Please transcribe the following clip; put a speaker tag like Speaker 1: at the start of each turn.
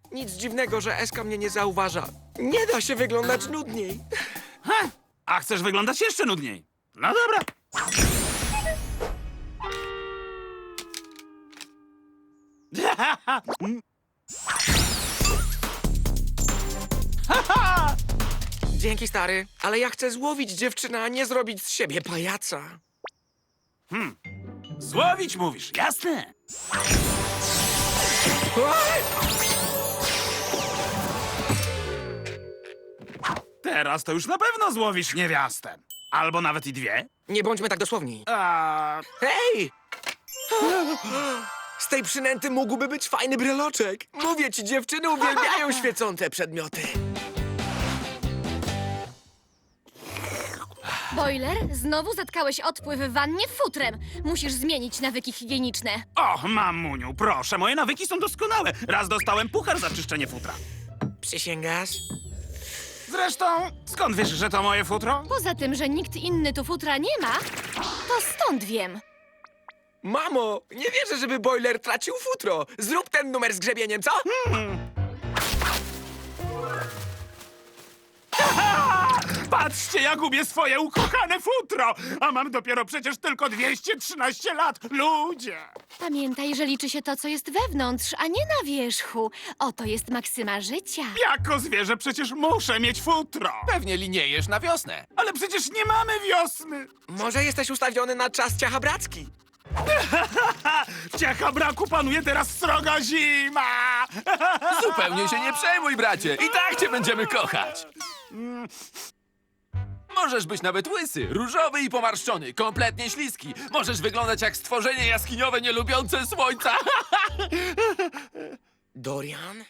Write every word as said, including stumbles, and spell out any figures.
Speaker 1: Nic dziwnego, że Eska mnie nie zauważa. Nie da się wyglądać nudniej.
Speaker 2: Ha! A chcesz wyglądać jeszcze nudniej? No dobra.
Speaker 1: Dzięki, stary, ale ja chcę złowić dziewczynę, a nie zrobić z siebie pajaca.
Speaker 2: Złowić mówisz, jasne.
Speaker 1: Oj!
Speaker 2: Teraz to już na pewno złowisz niewiastę. Albo nawet i dwie.
Speaker 1: Nie bądźmy tak dosłowni.
Speaker 2: A...
Speaker 1: Hej! Z tej przynęty mógłby być fajny bryloczek. Mówię ci, dziewczyny uwielbiają świecące przedmioty.
Speaker 3: Boiler, znowu zatkałeś odpływ w wannie futrem. Musisz zmienić nawyki higieniczne.
Speaker 2: Och, mamuniu, proszę, moje nawyki są doskonałe. Raz dostałem puchar za czyszczenie futra.
Speaker 1: Przysięgasz?
Speaker 2: Zresztą, skąd wiesz, że to moje futro?
Speaker 3: Poza tym, że nikt inny tu futra nie ma, to stąd wiem.
Speaker 1: Mamo, nie wierzę, żeby Boiler tracił futro. Zrób ten numer z grzebieniem, co?
Speaker 2: Patrzcie, ja gubię swoje ukochane futro! A mam dopiero przecież tylko dwieście trzynaście lat. Ludzie!
Speaker 3: Pamiętaj, że liczy się to, co jest wewnątrz, a nie na wierzchu. Oto jest maksyma życia.
Speaker 2: Jako zwierzę przecież muszę mieć futro.
Speaker 4: Pewnie liniejesz na wiosnę.
Speaker 2: Ale przecież nie mamy wiosny.
Speaker 1: Może jesteś ustawiony na czas ciachabracki?
Speaker 2: W Ciachabraku panuje teraz sroga zima.
Speaker 4: Zupełnie się nie przejmuj, bracie. I tak cię będziemy kochać. Możesz być nawet łysy, różowy i pomarszczony, kompletnie śliski. Możesz wyglądać jak stworzenie jaskiniowe nielubiące słońca.
Speaker 1: Dorian?